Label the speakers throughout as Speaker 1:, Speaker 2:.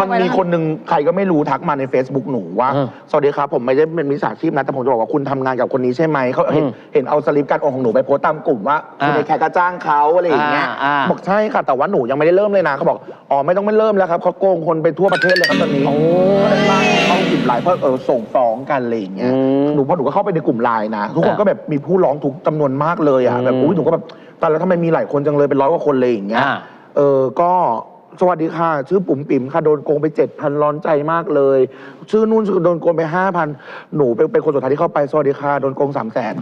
Speaker 1: มันมีคนหนึ่งใครก็ไม่รู้ทักมาใน Facebook หนูว่าสวัสดีครับผมไม่ได้เป็นมิจฉาชีพนะแต่ผมจะบอกว่าคุณทำงานกับคนนี้ใช่ไหมเขาเห็นเอาสลิปการโอนของหนูไปโพสต์ตามกลุ่มว่าคุณในแขกก็จ้างเขาอะไรอย่างเงี้ยบอกใช่ค่ะแต่ว่าหนูยังไม่ได้เริ่มเลยนะเขาบอกอ๋อไม่ต้องไม่เริ่มแล้วครับเขาโกงคนไปทั่วประเทศเลยครับตอนนี้ก็เลยล่าเขาผิดหลายเพราะส่งฟ้องกันอะไรอย่างเงี้ยหนูพอหนูก็เข้าไปในกลุ่มไลน์นะทุกคนก็แบบมีผู้ร้องทุกจำนวนมากเลยอ่ะแบบอุ้ยหนูก็แบบตอนแล้วทำไมมีหลายคนจังเลยเป็น100 กว่าคนเลยอย่างเงี้ยก็สวัสดีค่ะชื่อปุ๋มปิ๋มค่ะโดนโกงไป 7,000 ร้อนใจมากเลยชื่อนู่นโดนโกงไป 5,000 หนูเป็นคนสุดท้ายที่เข้าไปสวัสดีค่ะโดนโกง 300,000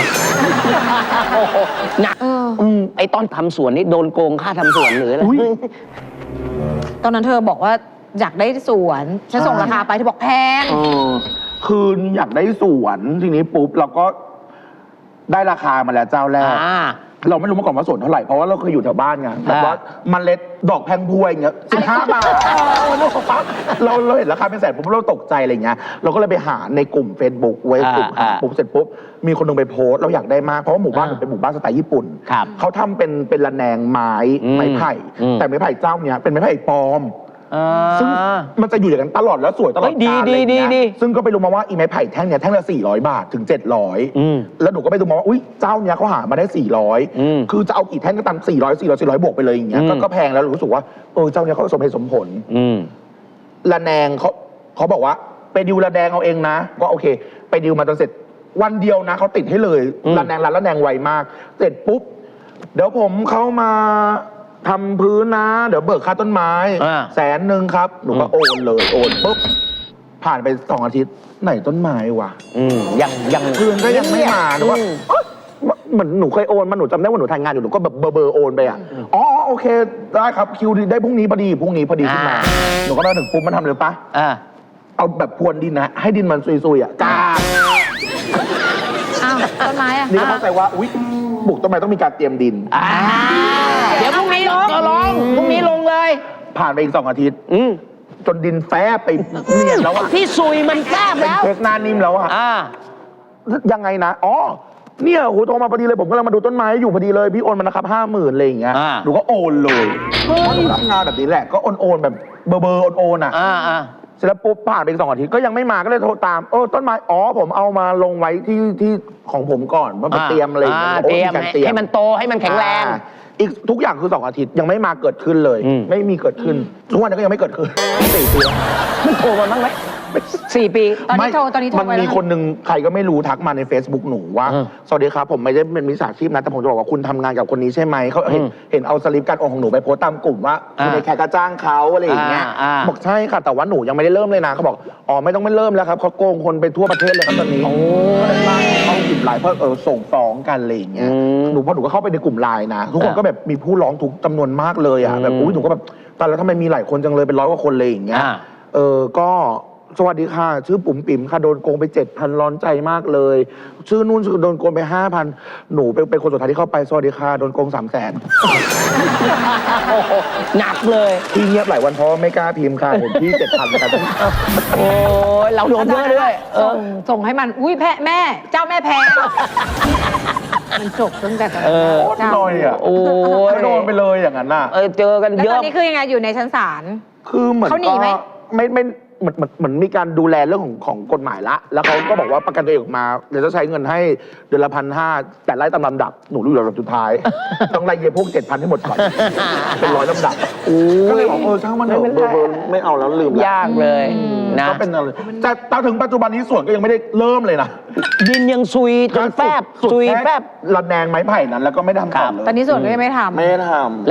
Speaker 2: หนักไอตอนทำสวนนี่โดนโกงค่าทำสวนหรืออะไร
Speaker 3: ตอนนั้นเธอบอกว่าอยากได้สวนฉันส่งราคาไปเธอบอกแพง
Speaker 1: คืออยากได้สวนทีนี้ปุ๊บเราก็ได้ราคามาแล้วเจ้าแรกเราไม่รู้มาก่อนว่าสวนเท่าไหร่เพราะว่าเราเคยอยู่แถวบ้านไงแบบว่าเมล็ดดอกแพงพวยอย่างเงี้ย15 บาทเราเห็นราคาเป็นแสนปุ๊บเราตกใจอะไรเงี้ยเราก็เลยไปหาในกลุ่ม Facebook ไว้กลุ่มหาปุ๊บเสร็จปุ๊บมีคนนึงไปโพสเราอยากได้มากเพราะว่าหมู่บ้านเป็นหมู่บ้านสไตล์ญี่ปุ่นเขาทำเป็นระแนงไม้ไผ่แต่ไม้ไผ่เจ้าเนี้ยเป็นไม้ไผ่ปลอมซึ่งมันจะอยู่อย่างนั้นตลอดแล้วสวยตลอดกาลอะไรอย่างเงี้ยซึ่งก็ไปรู้มาว่าอีไม้ไผ่แท่งเนี้ยแท่งละ400 บาทถึง700แล้วหนูก็ไปดูมาว่าอุ้ยเจ้าเนี้ยเขาหามาได้400คือจะเอากี่แท่งก็ตาม400บวกไปเลยอย่างเงี้ยก็แพงแล้วรู้สึกว่าเจ้าเนี้ยเขาสมเหตุสมผลระแนงเขาบอกว่าไปดิวระแนงเอาเองนะก็โอเคไปดิวมาจนเสร็จวันเดียวนะเขาติดให้เลยระแนงระแนงไวมากเสร็จปุ๊บเดี๋ยวผมเข้ามาทำพื้นนะเดี๋ยวเบิกค่าต้นไม้100,000ครับหนูก็โอนเลยโอนปุ๊บผ่านไป2 อาทิตย์ไหนต้นไม้วะ
Speaker 2: ยัง
Speaker 1: เพื่อนก็ยังไม่มาหนูว่าเหมือนหนูเคยโอนมาหนูจำได้ว่าหนูทำงานอยู่หนูก็แบบเบอร์โอนไปอ่ะอ๋อโอเคได้ครับคิวได้พรุ่งนี้พอดีขึ้นมาหนูก็มาถึงปุ๊บมันทำเลยปะเอาแบบพรวนดินนะให้ดินมันซุยๆอ่ะจ้า
Speaker 3: อ้าวต้นไม้อ่ะ
Speaker 1: นี่ก็เข้าใจว่าอุ๊ยปลูกต้นไม้ต้องมีการเตรียมดิน
Speaker 2: เดี๋ยวพรุ่งนี้ลงพรุ่งนี้ลงเลย
Speaker 1: ผ่านไปอีก2 อาทิตย์จนดินแฟบไปเนียนแล้วอะ
Speaker 2: ที่ซุยมันแฟบแล้ว
Speaker 1: เทคหน้านิ่มแล้วอะยังไงนะอ๋อเนี่ยโหโทรมาพอดีเลยผมกำลังมาดูต้นไม้อยู่พอดีเลยพี่โอนมานะครับ50,000อะไรอย่างเงี้ยหนูก็โอนเลยเพราะหนูรับงานแบบนี้แหละก็โอนแบบเบอร์โอนอะเสร็จแล้วปุ๊บผ่านไปอีก2 อาทิตย์ก็ยังไม่มาก็เลยโทรตามต้นไม้ผมเอามาลงไว้ที่ของผมก่อนว่าเตรียมอะไรอย่างเงี้ย
Speaker 2: เตรียมให้มันโตให้มันแข็งแรง
Speaker 1: อีกทุกอย่างคือ2 อาทิตย์ยังไม่มาเกิดขึ้นเลยไม่มีเกิดขึ้นทุกวันนี้ก็ยังไม่เกิดขึ้น4 ปี
Speaker 2: มันโทรมาบ้างไหม4 ปี
Speaker 3: ตอนนี้โทร
Speaker 1: มันมีคนหนึ่งใครก็ไม่รู้ทักมาใน Facebook หนูว่าสวัสดีครับผมไม่ได้เป็นมิจฉาชีพนะแต่ผมจะบอกว่าคุณทำงานกับคนนี้ใช่ไหมเขาเห็นเอาสลิปการโอนของหนูไปโพสต์ตามกลุ่มว่าคุณในแขกก็จ้างเขาอะไรอย่างเงี้ยบอกใช่ค่ะแต่ว่าหนูยังไม่ได้เริ่มเลยนะเขาบอกอ๋อไม่ต้องไม่เริ่มแล้วครับเขาโกงคนไปทั่วประเทศเลยครับตอนนี้ก็เลยล่าเขาผิดหลายเพราะส่งฟ้องกันอะไรอย่างเงี้ยพอหนูก็เข้าไปในกลุ่มไลน์นะทุกคนก็แบบมีผู้ร้องทุกจำนวนมากเลยอ่ะแบบอุ้ยหนูก็แบบตอนแล้วทำไมมีหลายคนจังเลยเป็น100 กว่าคนเลยอย่างเงี้ยก็สวัสดีค่ะชื่อปุ๋มปิ๋มค่ะโดนโกงไป 7,000 ร้อนใจมากเลยชื่อนู่นโดนโกงไป 5,000 หนูเป็นคนสุดท้ายที่เข้าไปสวัสดีค่ะโดนโกง 300,000
Speaker 2: หนักเลย
Speaker 1: ที่เงียบหลายวันเพราะไม่กล้าพิมพ์ค่ะเห็นที่ 7,000 กัน
Speaker 2: โอ้เราโดนเยอะด้วย
Speaker 3: ส่งให้มันอุ้ยแม่เจ้าแม่แพงมันจบตั้งแต่
Speaker 1: โคตรน้อยอ่ะโดนไปเลยอย่างนั้นน่ะ
Speaker 2: เจอกันเยอะ
Speaker 3: แล้วตอนนี้คือยังไงอยู่ในชั้นศาล
Speaker 1: คือเหมือน
Speaker 3: เขาหนีไหม
Speaker 1: ไม่เหมือนมีการดูแลเรื่องของกฎหมายละแล้วเขาก็บอกว่าประกันตัวเองออกมาเดี๋ยวจะใช้เงินให้เดือนละ1,500แต่ไล่ตามลำดับหนูรู้อยู่ลำดับสุดท้ายต้องไล่เยียพวก7,000ให้หมดก่อนเป็น100 ลำดับก็เลยบอกช่างมันเถอะไม่เอาแล้วลืม
Speaker 2: ยากเลยนะ
Speaker 1: ก็เป็นอะไรแต่ถึงปัจจุบันนี้สวนก็ยังไม่ได้เริ่มเลยนะ
Speaker 2: ดินยังซุยจนแฟบ
Speaker 1: ระแนงไม้ไผ่นั้นแล้วก็ไม่ทำต่อเลย
Speaker 3: ตอนนี้สวนก็ยังไม่ทำ